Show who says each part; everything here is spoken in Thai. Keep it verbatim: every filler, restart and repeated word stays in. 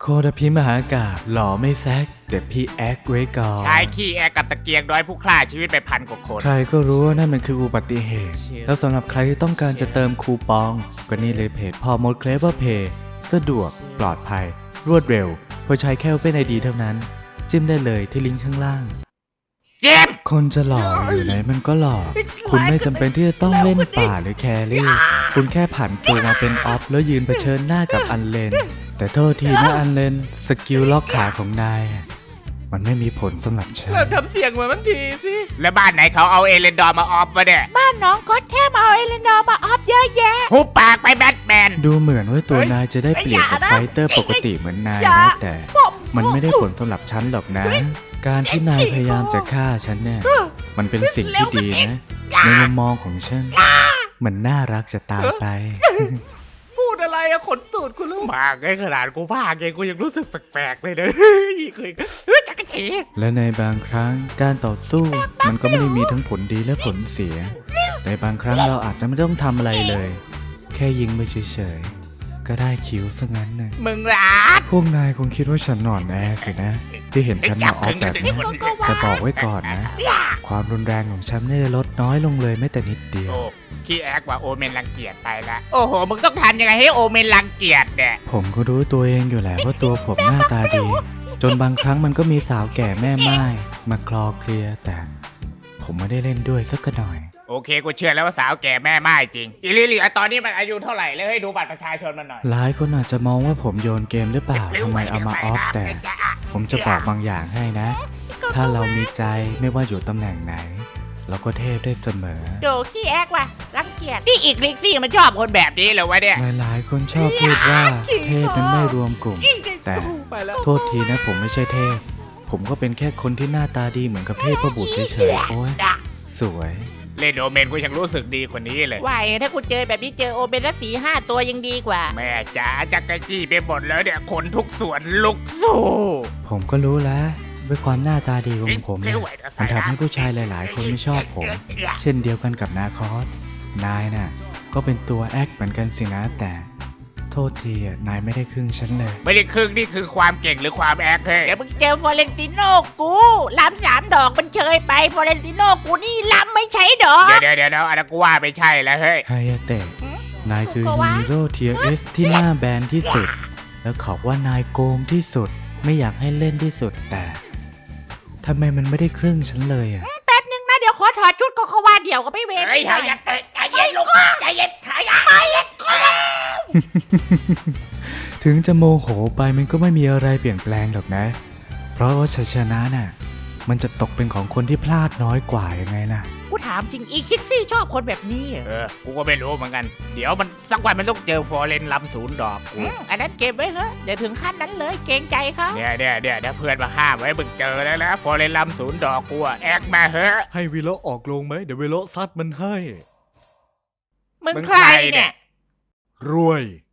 Speaker 1: โคดพิมหากาบหล่อไม่แซกแต่พี่แอคไว้ก่อน
Speaker 2: ชายขี้แอกับตะเกียงน้อยผู้ฆ่าชีวิตไปพันกว่าคน
Speaker 1: ใครก็รู้ว่านั่นมันคืออุบัติเหตุแล้วสำหรับใครที่ต้องการจะเติมคูปองก็นี่เลยเพจพอมดเคลเวอร์เพย์สะดวกปลอดภัยรวดเร็วเพราะใช้แค่เป็นไอดีเท่านั้นจิ้มได้เลยที่ลิงก์ข้างล่าง
Speaker 2: เจ็บ
Speaker 1: คนจะหล่ออยู่ไหนมันก็หล่อคุณไม่จำเป็นที่จะต้องเล่นป่าหรือแครี่คุณแค่ผันตัวมาเป็นออฟแล้วยืนเผชิญหน้ากับอันเลนแต่โทษทีนะอันเลนสกิลล็อกขาของนายมันไม่มีผลสำหรับฉัน
Speaker 3: ทำเสียงเหมือนมันทีสิ
Speaker 2: แล้วบ้านไหนเขาเอาเอเลนดอร์มาออฟวะเนี่ย
Speaker 4: บ้านน้องก็แค่เอาเอเลนดอร์มาออฟเยอะแยะ
Speaker 2: หุบปากไปแบทแมน
Speaker 1: ดูเหมือนว่าตัวนายจะได้เปรียบกับไฟเตอร์ปกติเหมือนนายนะแต่มันไม่ได้ผลสำหรับฉันหรอกนะการที่นายพยายามจะฆ่าฉันเนี่ยมันเป็นสิ่งที่ดีนะในมุมมองของฉันมันน่ารักจะตายไป
Speaker 3: พูดอะไรอะขนตูดกูรู้
Speaker 2: มากไงขนาดกูพากเองกูยังรู้สึกแปลกๆเลยเด้อเคยจักรจี
Speaker 1: และในบางครั้งการต่อสู้มันก็ไม่ได้มีทั้งผลดีและผลเสียในบางครั้งเราอาจจะไม่ต้องทำอะไรเลยแค่ยิงไปเฉยๆก็ได้คิวซะงั้นนะ
Speaker 2: มึงรัก
Speaker 1: พวกนายคงคิดว่าฉันหนอนแอสินะที่เห็นฉันมาออฟแบบนี้แต่บอกไว้ก่อนนะความรุนแรงของฉันไม่ได้ลดน้อยลงเลยแม้แต่นิดเดียว
Speaker 2: ขี้แอคว่าโอเมนรังเกียจไปละโอ้โหมึงต้องทำยังไงให้โอเมนรังเกียจเนี่ย
Speaker 1: ผมก็รู้ตัวเองอยู่แหละว่าตัวผมหน้าตาดีจนบางครั้งมันก็มีสาวแก่แม่ไม้มาคลอเคลียแต่ผมไม่ได้เล่นด้วยสักหน่อย
Speaker 2: โอเคกูเชื่อแล้วว่าสาวแก่แม่ไม้จริงอีลิลี่ตอนนี้มันอายุเท่าไหร่แล้วให้ดูบัตรประชาชนมันหน่อย
Speaker 1: หลายคนอาจจะมองว่าผมโยนเกมหรือเปล่าทำไมเอามาออฟแต่ผมจะบอกบางอย่างให้นะถ้าเรามีใจไม่ว่าอยู่ตำแหน่งไหนเราก็เทพได้เสมอ
Speaker 4: โดขี้แอกว่ะรังเกียจ
Speaker 2: นี่อีกลิกซี่มันชอบคนแบบนี้เหรอวะเนี่ย
Speaker 1: หลายๆคนชอบพูดว่าเทพนั้นไม่รวมกลุ่มแต่โทษทีนะผมไม่ใช่เทพผมก็เป็นแค่คนที่หน้าตาดีเหมือนกับเทพบุตรเฉยๆโอ้ยสวย
Speaker 2: เล่นโอเมนกูยังรู้สึกดีกว่านี้เลย
Speaker 4: ไหวถ้ากูเจอแบบนี้เจอโอเมนละสี่ห้าตัวยังดีกว่า
Speaker 2: แม่จ๋าจักรจี้ไปหมดแล้วเนี่ยคนทุกส่วนลุกสู้
Speaker 1: ผมก็รู้แล้วด้วยความหน้าตาดีของผมเนี่ยมันทำให้ผู้ชายหลายๆคนไม่ชอบผมเช่นเดียวกันกับนาคอสนายน่ะก็เป็นตัวแอคเหมือนกันสินะแต่โทษทีอ่ะนายไม่ได้ครึ่งฉันเลย
Speaker 2: ไม่ได้ครึ่งนี่คือความเก่งหรือความแอคเฮ้ย
Speaker 4: เดี๋ยวมึงเจอฟอเรนติโน่กูล้ำสามดอกมันเชยไปฟอเรนติโน่กูนี่ล้ำไม่ใช่ดอก
Speaker 2: เดี๋ยวเดี๋ยวเดี๋ยวอันนั้นกูว่าไม่ใช่แล้วเฮ้ย
Speaker 1: ไฮยาเตะนายคือฮีโร่เทียร์เอสที่หน้าแบนที่สุดแล้วเขาว่านายโกงที่สุดไม่อยากให้เล่นที่สุดแต่ทำไมมันไม่ได้ครึ่งฉันเลยอ่ะ
Speaker 4: แป๊บนึงนะเดี๋ยวขอถอดชุดก็เขาว่าเดี๋ยวก็ไม่เวร
Speaker 2: เฮ้ยไฮยาเตะใจเย็นลูกใจเย็นไฮยาเตะ
Speaker 1: ถึงจะโมโหไปมันก็ไม่มีอะไรเปลี่ยนแปลงหรอกนะเพราะว่าชัยชนะน่ะมันจะตกเป็นของคนที่พลาดน้อยกว่ายังไงล่ะ
Speaker 4: กูถามจริงอีคิกซี่ชอบคนแบบนี้
Speaker 2: เออกูก็ไม่รู้เหมือนกันเดี๋ยวมันสักวันมันต้องเจอฟอร์เรนลำศูนย์ดอก
Speaker 4: อันนั้นเก็บไว้เถอะเดี๋ยวถึงขั้นนั้นเลยเกรงใจเขา
Speaker 2: เนี่ยเนี่ยเนี่ยถ้าเพื่อนมาห้ามไว้มึงเจอแล้วนะฟอร์เรนลำศูนย์ดอกกูแอกมาเหอะ
Speaker 1: ให้วิโลออกลงไหมเดี๋ยววิโลซัดมันให้
Speaker 4: มึงใครเนี่ย
Speaker 1: รวย